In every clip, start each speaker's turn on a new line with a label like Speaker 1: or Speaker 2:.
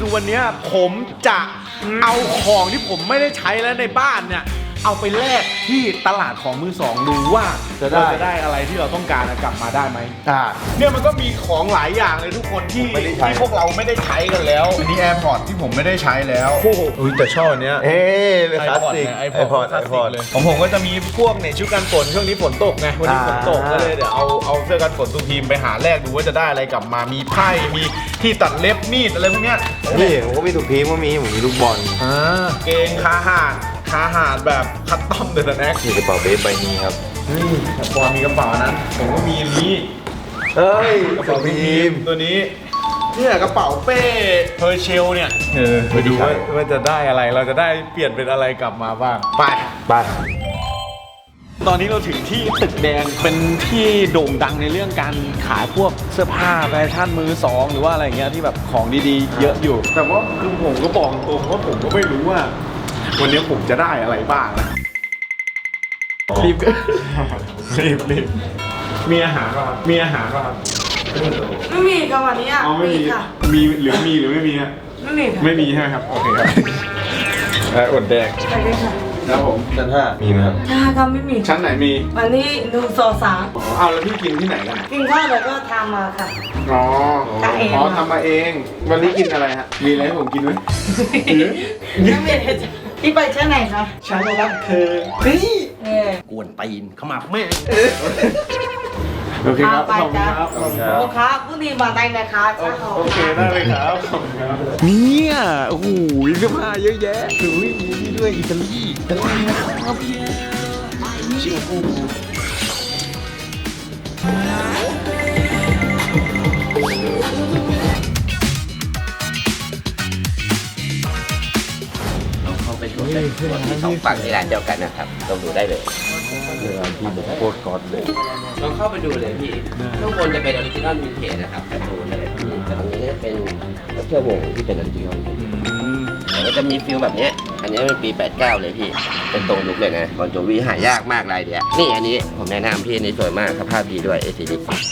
Speaker 1: คือวันนี้ผมจะเอาของที่ผมไม่ได้ใช้แล้วในบ้านเนี่ยเอาไปแลกที่ตลาดของมือสองดูว่าเราจะได้อะไรที่เราต้องการกลับมาได้ไหมเนี่ยมันก็มีของหลายอย่างเลยทุกคนที่พวกเราไม่ได้ใช้กันแล้วอันนี้ AirPods ที่ผมไม่ได้ใช้แล้วอุ้ยแต่ชอบอันเนี้ย
Speaker 2: เลยคลาสสิก
Speaker 1: iPod เลยของผมก็จะมีพวกเนี่ยชุดกันฝนช่วงนี้ฝนตกไงวันนี้ฝนตกก็เลยเดี๋ยวเอาเสื้อกันฝนตูทีมไปหาแลกดูว่าจะได้อะไรกลับมามีไพ่มีที่ตัดเล็บมีดอะไรพวกเนี้ย
Speaker 2: นี่ผมก็มีถุงพีมก็มีผมมีลูกบอล
Speaker 1: เกงคาหาดแบบคัสตอมเดอะแน็ก
Speaker 2: มีกระเป๋าเบสใบนี้ครับ
Speaker 1: แต่พอมีกระเป๋านั้นผมก็มีนี้
Speaker 2: กระเป๋าพีม
Speaker 1: ตัวนี้เนี่ยกระเป๋าเป้เพอร์เชลเนี่ยไปดูว่าจะได้อะไรเราจะได้เปลี่ยนเป็นอะไรกลับมาบ้างไปตอนนี้เราถึงที่ตึกแดงเป็นที่โด่งดังในเรื่องการขายพวกเสื้อผ้าแฟชั่นมือสองหรือว่าอะไรเงี้ยที่แบบของดีๆเยอะอยู่แต่ว่าคือผมก็บอกตรงว่าผมก็ไม่รู้ว่าวันนี้ผมจะได้อะไรบ้างนะรีบมีอาหารป่ะครับไม่มี
Speaker 3: ค่ะวันนี้
Speaker 1: ไม่มีค่ะมีหรือไม่มีฮะไม่มีใช่ไหมครับโอเคครับอดแดง
Speaker 3: ใช่ค่ะ
Speaker 1: ครับผมชั้น5มีไหมครับ
Speaker 3: ชั้น5ก็ไม่มี
Speaker 1: ชั้นไหนมี
Speaker 3: วันนี้1 2 3
Speaker 1: เอาแล้วพี่กินที่ไหนกัน
Speaker 3: กินข้าวแล้วก็ทำมาค่ะ
Speaker 1: ทำมาเองวันนี้กินอะไรฮะมีอะไรให้ผมกินไหม
Speaker 3: ยังไม่ได้ที่ไปชั้นไหนคะ
Speaker 1: ชั้นรักเธอ
Speaker 2: กวนตีนขมับแม่
Speaker 1: โอเคครับขอบคุณครับ
Speaker 3: โอเคพรุ่งนี้มาได้นะคะ
Speaker 1: โอเคได้เลยครับขอบคุณครับเนี่ยโอ้โหเสื้อผ้าเยอะแยะดูนี่ด้วยอิตาลีนะครับชิโอฟู
Speaker 2: ที่สองฝั่งที่ร้านเดียวกันนะครับลองดูได้เลย
Speaker 1: ที่แบบโคตรก๊อตเลย
Speaker 2: ลองเข้าไปดูเลยพี่ข้างบนจะเป็นออริจินอลวินเทจนะครับการ์ตูนอะไรพี่แต่ตรงนี้จะเป็นเสื้อวงที่เป็นออริจินอลแล้วจะมีฟิลแบบนี้อันนี้เป็นปี89เลยพี่เป็นตรงยุคเลยนะบอลโจวีหายากมากลายเดียวนี่อันนี้ผมแนะนำพี่อันนี้สวยมากสภาพดีด้วย ACD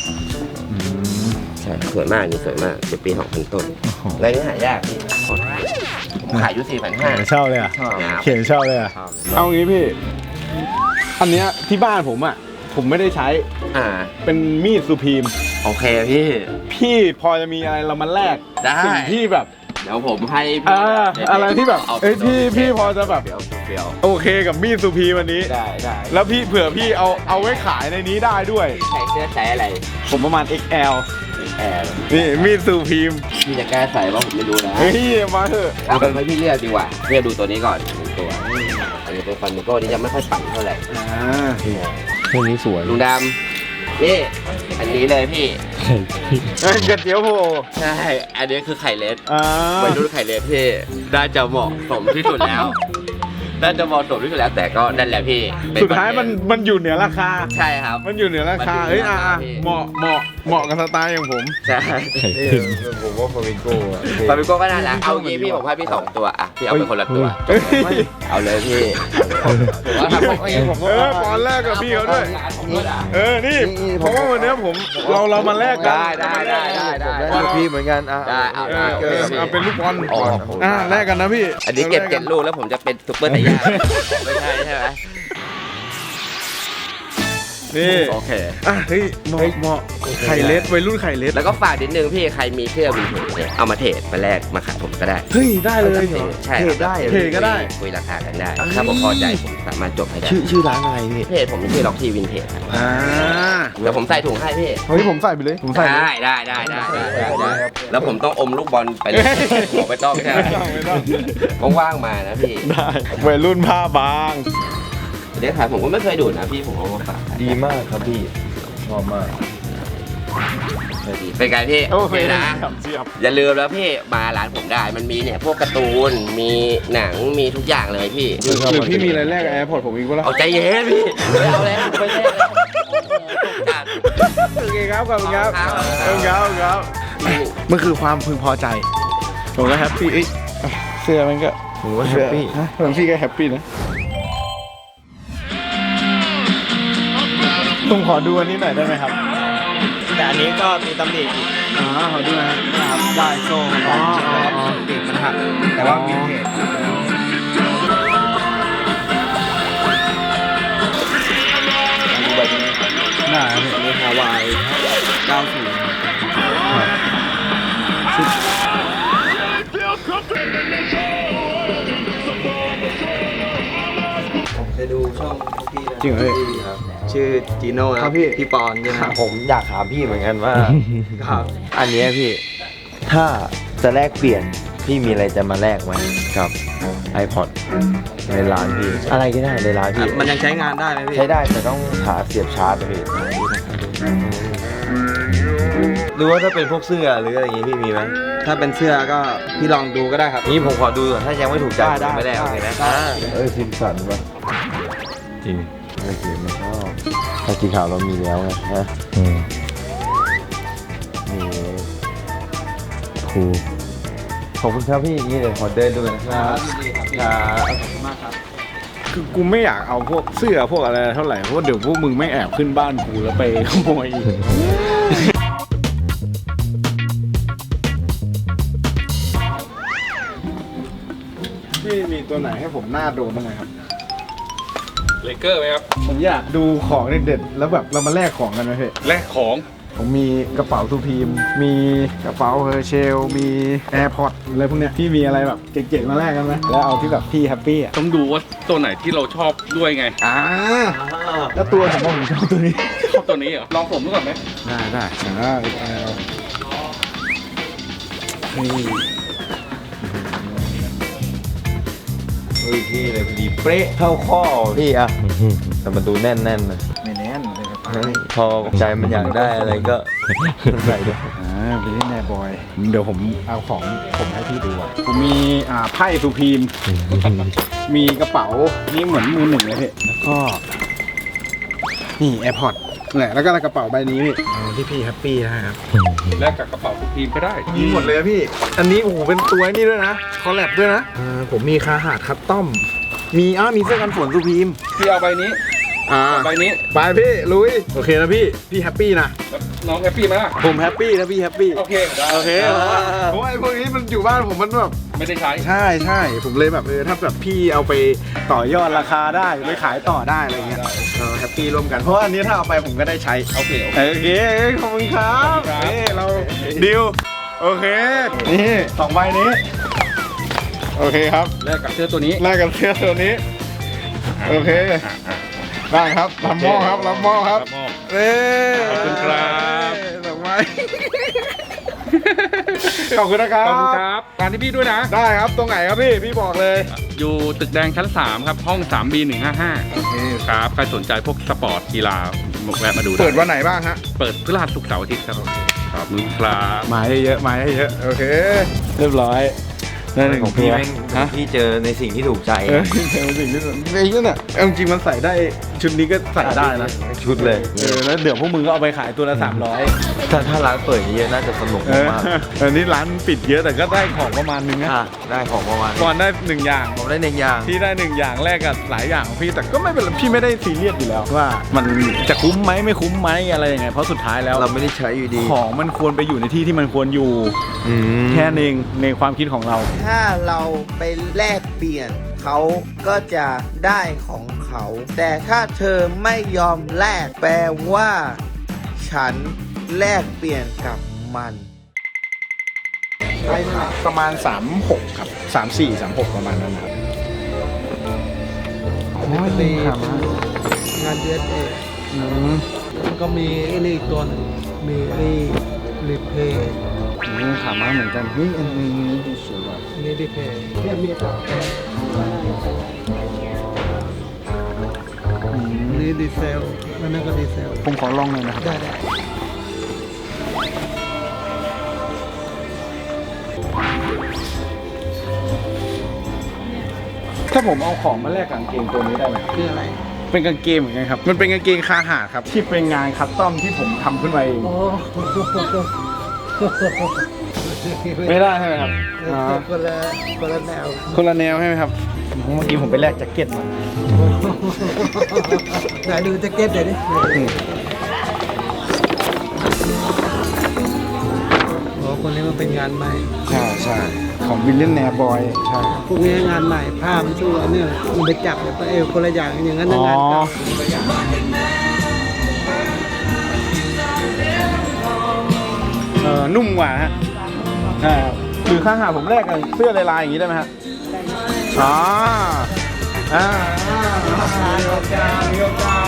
Speaker 2: ใช่สวยมากนี่สวยมากเป็นปี2000 ต้นอะไรนี้หายากพี่ผมขายอยู่4,500
Speaker 1: เช่าเลยอ่ะเขียนเช่าเลยอ่ะเอางี้พี่อันเนี้ยที่บ้านผมอ่ะผมไม่ได้ใช้เป็นมีดซูพีม
Speaker 2: โอเคพี่
Speaker 1: พอจะมีอะไรเรามาแลกสิ่งที่แบบ
Speaker 2: เดี๋ยวผมให้
Speaker 1: อะไรที่แบบพี่พอจะแบบโอเคกับมีดซูพีวันนี้
Speaker 2: ได้
Speaker 1: แล้วพี่เผื่อพี่เอาไว้ขายในนี้ได้ด้วย
Speaker 2: ใส่เสื้อใส่อะไร
Speaker 1: ผมประมาณ XL นี่มีดซูพีม
Speaker 2: พี่จะแก้ใส่ว่าผมไม่รู้นะ
Speaker 1: เฮ้ยมาเถอะ
Speaker 2: เอาเป็นให้พี่เลือกดีกว่าเลือกดูตัวนี้ก่อนตัวอันนี้เป็นฟันมิโก้ที่ยังไม่ค่อยปั่นเท่าไหร่
Speaker 1: ตัวนี้สวย
Speaker 2: ลุงดำนี่อันนี้เลยพี่
Speaker 1: กระเจียวโผล่
Speaker 2: ใช่อันนี้คือไข่เล็ดวัยรุ่นไข่เล็ดพี่ได้จะเหมาะสมที่สุดแล้วน่าจะเหมาะสมที่สุดแล้วแต่ก็นั่นแหละพี่
Speaker 1: สุดท้ายมันอยู่เหนือราคา
Speaker 2: ใช่ครับ
Speaker 1: มันอยู่เหนือราคาเฮ้ยเหมาะกับสไตล์อย่างผม
Speaker 2: ใช่
Speaker 1: ผมว่าฟามิโก้
Speaker 2: ก็น่ารักเอางี้พี่ผมให้พี่2ตัวอ่ะพี่เอาไปคนละตัวเอาเลยพี่
Speaker 1: ตอนแรกกับพี่เขาด้วยนี่เพราะว่าวันนี้เรามาแลกกัน
Speaker 2: ได้
Speaker 1: พี่เหมือนกันเอาเป็นลูกบอลแลกกันนะพี่
Speaker 2: อันนี้เก็บ7 ลูกแล้วผมจะเป็นซุปเปอร์ไทยาไม่ใช่ไหม
Speaker 1: นี่โอเคเฮ้ยเหมาะไข่เล็ดวัยรุ่นไข่เล็ด
Speaker 2: แล้วก็ฝากนิดนึงพี่ใครมีเสื้อวินเทจเนี่ยเอามาเทรดมาแลกมาขายผมก็ได้
Speaker 1: เฮ้ยได้เลย
Speaker 2: ใช่
Speaker 1: เทรดก็ได้
Speaker 2: คุยราคากันได้ถ้าผมพอใจผมสามารถจบให้ได้
Speaker 1: ชื่อร้านอะไรพี่
Speaker 2: เพจผมชื่อล็อกทีวินเทจเดี๋ยวผมใส่ถุงให้พี่
Speaker 1: เฮ้ยผมใส่ไปเลยผมใส่
Speaker 2: ได้แล้วผมต้องอมลูกบอลไปเลยไม่ต้องใช่ไหมว่างๆมานะพี่
Speaker 1: ได้วัยรุ่นผ้าบาง
Speaker 2: เดี๋ยวขายผมก็ไม่เคยดูนะพี่ผมเอามาฝาก
Speaker 1: ดีมากครับพี่ชอบมาก
Speaker 2: เป็นไงพี่
Speaker 1: โอเคนะ
Speaker 2: อย่าลืมแล้วพี่มาร้านผมได้มันมีเนี่ยพวกการ์ตูนมีหนังมีทุกอย่างเลยพี่
Speaker 1: หรือพี่มีอะไรแรกแอร์พอร์ตผมอีกว่า
Speaker 2: เอาใจเย็นพี่ไม่เอาแล้วไม่ใช่
Speaker 1: โอเคครับขอบคุณครับมันคือความพึงพอใจผมก็แฮปปี้เสื้อมันก็ผมก็แฮปปี้พี่ก็แฮปปี้นะผมขอดูอันนี้หน่อยได้ไหมครับ
Speaker 4: แต่อันนี้ก็มีตำหนิ
Speaker 1: ขอดูนะครับ
Speaker 4: ได้โซ่ติดม
Speaker 2: แต่ว่าวินเทจ
Speaker 1: ดูใบนี้หน้าเนี่ย
Speaker 2: มีฮาวาย90 ผมเคยดูช่องพวกพี่นะ
Speaker 1: จริงเหรอพี่
Speaker 2: ครับชื่อจีโน่
Speaker 1: ครับพี่
Speaker 2: พี่ปอนใช่ไหม
Speaker 4: ผมอยากถามพี่เหมือนกันว่า
Speaker 2: ครับ
Speaker 4: อันเนี้ยพี่ ถ้าจะแลกเปลี่ยน พี่มีอะไรจะมาแลกไหมกับ iPod ในร้านพี่ อะไรก็ได้ในร้านพี่
Speaker 2: มันยังใช้งานได้ไหมพี่
Speaker 4: ใช้ได้แต่ต้องหาเสียบชาร์จนะพี่หรือว่าถ้าเป็นพวกเสื้อหรืออะไรอย่างงี้พี่มีไหม
Speaker 2: ถ้าเป็นเสื้อก็พี่ลองดูก็ได้ครับ
Speaker 4: นี่ผมขอดูก่อนถ้ายังไม่ถูกใจ
Speaker 2: ได้
Speaker 4: ผมไม่แลกโอเคไหม
Speaker 2: ได้
Speaker 4: ซิมสันปะจริงโอเคไม่ชอบถ้าสีขาวเรามีแล้วไงนะมีคูขอบคุณครับพี่นี่เดี๋ยวขอเดินดูกันนะครับ
Speaker 1: คือกูไม่อยากเอาพวกเสื้อพวกอะไรเท่าไหร่เพราะว่าเดี๋ยวพวกมึงไม่แอบขึ้นบ้านกูแล้วไปขโมยอีกพี่มีตัวไหนให้ผมหน้าโดนบ้างไหมครับ
Speaker 5: เลเกอร์ไหมครับ
Speaker 1: ผมอยากดูของเด็ดๆแล้วแบบเรามาแลกของกันไหมพี่
Speaker 5: แลกของ
Speaker 1: ผมมีกระเป๋าทูพีมมีกระเป๋าเฮอร์เชลมีแอร์พอร์ตอะไรพวกเนี้ยพี่มีอะไรแบบเจ๋งๆมาแลกกันไหมแล้วเอาที่แบบพี่แฮปปี้อ่ะ
Speaker 5: ต้องดูว่าตัวไหนที่เราชอบด้วยไง
Speaker 1: แล้วตัวผมชอบตัวนี้
Speaker 5: ชอบตัวนี้เหรอ ลองผมดูก่อนไหม
Speaker 1: ได้นี่
Speaker 4: เฮ้ยพี่เลยพอดีเป๊ะเข้าข้อพี่อะแต่มันดูแน่นๆนะ
Speaker 1: ไม่แน่นเลยครับ
Speaker 4: พอใจมันอยากได้อะไรก็ ใส่ด้วย
Speaker 1: ไปเล่นแนบอยเดี๋ยวผมเอาของผมให้พี่ดูอ่ะผมมีไพ่ทูพีมมีกระเป๋านี่เหมือนมือหนึ่งเลยพี่แล้วก็นี่แอร์พอร์ตเนี่ยแล้วก็กระเป๋าใบนี้พี่ที่พี่แฮปปี้นะครับ
Speaker 5: แลกกับกระเป๋าทุกทีมก็ได้
Speaker 1: มีหมดเลยอะพี่ อันนี้โอ้โหเป็นตัวนี่ด้วยนะคอลแลบด้วยนะผมมีคาหาดคัสตอมมีเสื้อกันฝนทูพีม
Speaker 5: พี่เอาใบนี้ใบนี้
Speaker 1: ไปพี่ลุยโอเคนะพี่แฮปปี้นะ
Speaker 5: แล้วน้องแฮปปี้ไหมล่ะ
Speaker 1: ผมแฮปปี้นะพี่แฮปปี้
Speaker 5: โอเคได้
Speaker 1: โอเคเพราะว่าไอ้พวกนี้มันอยู่บ้านผมมันแบบ
Speaker 5: ไม่ได้ใช้
Speaker 1: ใช่ผมเลยแบบถ้าแบบพี่เอาไปต่อยอดราคาได้ไปขายต่อได้อะไรเงี้ยเราแฮปปี้ร่วมกันเพราะว่าอันนี้ถ้าเอาไปผมก็ได้ใช้
Speaker 5: โอเค
Speaker 1: โอเคขอบคุณครับ
Speaker 5: ขอบคุณครับ
Speaker 1: นี่เราดิวโอเคนี่2ใบนี้โอเคครับ
Speaker 5: แลกกับเสื้อตัวนี้
Speaker 1: แลกกันเสื้อตัวนี้โอเคได้ครับรับหม้อครับรับหม้อครับ
Speaker 5: รับมอบ
Speaker 1: เอ้
Speaker 5: ขอบคุณครับ
Speaker 1: ดอกไม้ ขอบคุณนะครับ
Speaker 5: ขอบคุณครับร้านที่พี่ด้วยนะ
Speaker 1: ได้ครับตรงไหนครับพี่บอกเลย
Speaker 5: อยู่ตึกแดงชั้น 3 ครับ ห้อง 3B155
Speaker 1: โอเค
Speaker 5: ครับ ใครสนใจพวกสปอร์ตกีฬาแวะมาดูได้
Speaker 1: เปิดวันไหนบ้างฮะ
Speaker 5: เปิดพฤหัสศุกร์เสาร์อาทิตย์ครับขอบคุณครับ
Speaker 1: มาให้เยอะมาให้เยอะโอเค เรียบร้อยได้หนึ่ง
Speaker 4: ของ
Speaker 1: ตั
Speaker 4: พี่
Speaker 1: ว
Speaker 4: แม่ง
Speaker 1: ฮะ
Speaker 4: พี่เจอในสิ่งที่ถูกใจ
Speaker 1: เป็นสิ่งที่ไอ้เนี่ยเอาจริงๆมันใส่ได้ชุดนี้ก็ใส่ได้นะ
Speaker 4: ชุดเลย
Speaker 1: แล้วเดี๋ยวพวกมึงก็เอาไปขายตัวละ300
Speaker 4: ถ้าร้านเปิดเยอะๆน่าจะสนุกมาก
Speaker 1: อันนี้ร้านปิดเยอะแต่ก็ได้ของประมาณนึงนะ
Speaker 4: ได้ของประมาณนี้
Speaker 1: ก่อนได้1อย่าง
Speaker 4: ผมได้หนึ่งอย่าง
Speaker 1: พี่ได้1อย่างแรกกับหลายอย่างของพี่แต่ก็ไม่เป็นไรพี่ไม่ได้ซีเรียสอยู่แล้วว่ามันจะคุ้มไหมไม่คุ้มไหมอะไรยังไงเพราะสุดท้ายแล้ว
Speaker 4: เราไม่ได้ใช้อยู่ดี
Speaker 1: ของมันควรไปอยู่ในที่ที่มันควรอยู่ แค่นึงในความคิดของเรา
Speaker 6: ถ้าเราไปแลกเปลี่ยนเขาก็จะได้ของเขา แต่ถ้าเธอไม่ยอมแลกแปลว่า ฉันแลกเปลี่ยนกับมัน
Speaker 1: ประมาณ 36 ครับ 34 36 ประมาณนั้นครับ
Speaker 6: มีงานเดือนเองมันก็มีไอ้นี่อีกตัวหนึงมีไอ้รีเพย์
Speaker 1: ขาม้าเหมือนกันนี่อันนี้ดูสวยว่ะ
Speaker 6: นี่รีเพย์เนี่ยมีต่อนี่ดีเซลนั่นก็ดีเซล
Speaker 1: ผมขอลองหน่อยนะครับ
Speaker 6: ได้
Speaker 1: ถ้าผมเอาของมาแลกกางเกงตัวนี้ได้ไหม
Speaker 6: คืออะไร
Speaker 1: เป็นกางเกงเหมือนกันครับ มันเป็นกางเกงคาหาดครับ ที่เป็นงานคัสตอมที่ผมทำขึ้นมาเอง
Speaker 6: โอ้
Speaker 1: ไม่ได้ใช่ไหมครับ
Speaker 6: คนละแนว
Speaker 1: คนละแนวใช่ไหมครับ เมื่อกี้ผมไปแลกแจ็คเก็ตมา
Speaker 6: ไหนดูแจ็คเก็ตเดี๋ยวดิโอ้
Speaker 7: คนนี้มันเป็นงานใหม่
Speaker 1: ใช่ใช่ของวิลเลียมแนร์บอยใช่
Speaker 7: พวกนี้งานใหม่ผ้ามันสู้อันเนี้ยมันไปจับเนี่ยคนละอย่างอย่างนั้นนะงานเก่า
Speaker 1: นุ่มกว่าฮะคือข้างหาผมแรกกับเสื้อลายๆอย่างนี้ได้ไหมฮะอ๋อมีโอกาส
Speaker 4: นี่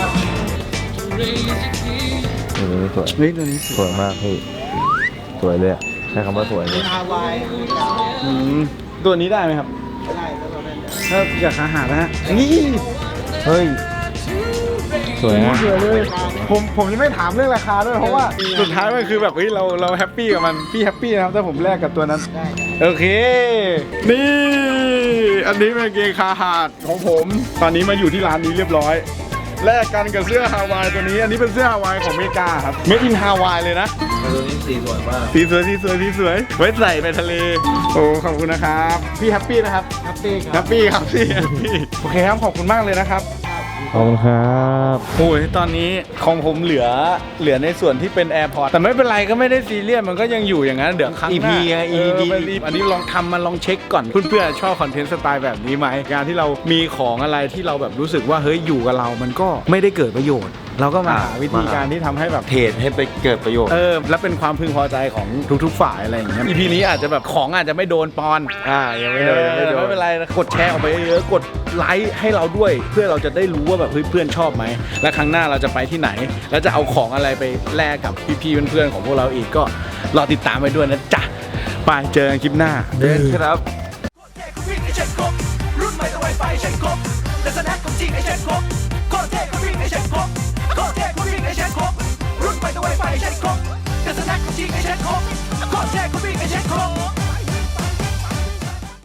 Speaker 4: สวย
Speaker 1: เฮ้ยตัวนี้
Speaker 4: สวยมากพี่สวยเลยอะใช้คำว่าสวยเลย
Speaker 7: ฮาวาย
Speaker 1: ตัวนี้ได้ไหมครับ
Speaker 7: ได้แล้วเราได้
Speaker 1: ถ้าอยากหานะฮะนี่
Speaker 4: เฮ้ยสวยนะ
Speaker 1: สวยเลยผมจะไม่ถามเรื่องราคาด้วยเพราะว่าสุดท้ายมันคือแบบเฮ้ยเราแฮปปี้กับมันพี่แฮปปี้นะครับถ้าผมแลกกับตัวนั้น
Speaker 7: ได้
Speaker 1: โอเค นี่อันนี้เป็นกางเกงคาหาดของผม ตอนนี้มาอยู่ที่ร้านนี้เรียบร้อยแลกกันกับเสื้อฮาวายตัวนี้อันนี้เป็นเสื้อฮาวายของอเมริกาครับเมดอินฮาวายเลยนะ
Speaker 4: ตัวนี้สีสวยมาก
Speaker 1: สีสวยไว้ใส่ไปทะเลโอ้ขอบคุณนะครับพี่แฮปปี้นะครับ
Speaker 7: แฮปปี้ค
Speaker 1: แฮ
Speaker 7: รับ
Speaker 1: ปปี้ครับพี่แฮปปี้โอเคครับขอบคุณมากเลยนะครับ
Speaker 4: ขอบคุณครับ
Speaker 1: โอ้ยตอนนี้ของผมเหลือในส่วนที่เป็น AirPods แต่ไม่เป็นไรก็ไม่ได้ซีเรียสมันก็ยังอยู่อย่างนั้นเดี๋ยวครั้งหน้า
Speaker 4: EP ไง EP
Speaker 1: อันนี้ลองเช็คก่อนเพื่อนๆชอบคอนเทนต์สไตล์แบบนี้ไหมการที่เรามีของอะไรที่เราแบบรู้สึกว่าเฮ้ยอยู่กับเรามันก็ไม่ได้เกิดประโยชน์ เราก็มาหาวิธีการที่ทำให้แบบ
Speaker 4: เทรดให้ไปเกิดประโยชน์
Speaker 1: และเป็นความพึงพอใจของทุกๆฝ่ายอะไรอย่างเงี้ย EP นี้อาจจะแบบของอาจจะไม่โดนปอน
Speaker 4: ยังไม่โดนยังไม่โดน
Speaker 1: ไม่เป็นไรนะกดแชร์ออกไปเยอะๆกดไลค์ให้เราด้วย เพื่อเราจะได้รู้ว่าแบบเฮ้ยเพื่อนชอบไหมและครั้งหน้าเราจะไปที่ไหน แล้วจะเอาของอะไรไปแลกกับพี่ๆเพื่อนๆของพวกเราอีกก็รอติดตามไปด้วยนะจ๊ะไปเจอกันคลิปหน้า
Speaker 4: เดินครับ
Speaker 8: วิ่งไอเช็ดครบรุ่นใหม่ต้องไวไฟเช็ดครบแต่สแน็คของจริงไอเช็ดครบโคตรเท่ก็วิ่งไอเช็ดครบโคตรเท่ก็วิ่งไอเช็ดครบรุ่นใหม่ต้องไวไฟเช็ดครบแต่สแน็คของจริงไอเช็ดครบโคตรเท่ก็วิ่งไอเช็ดครบ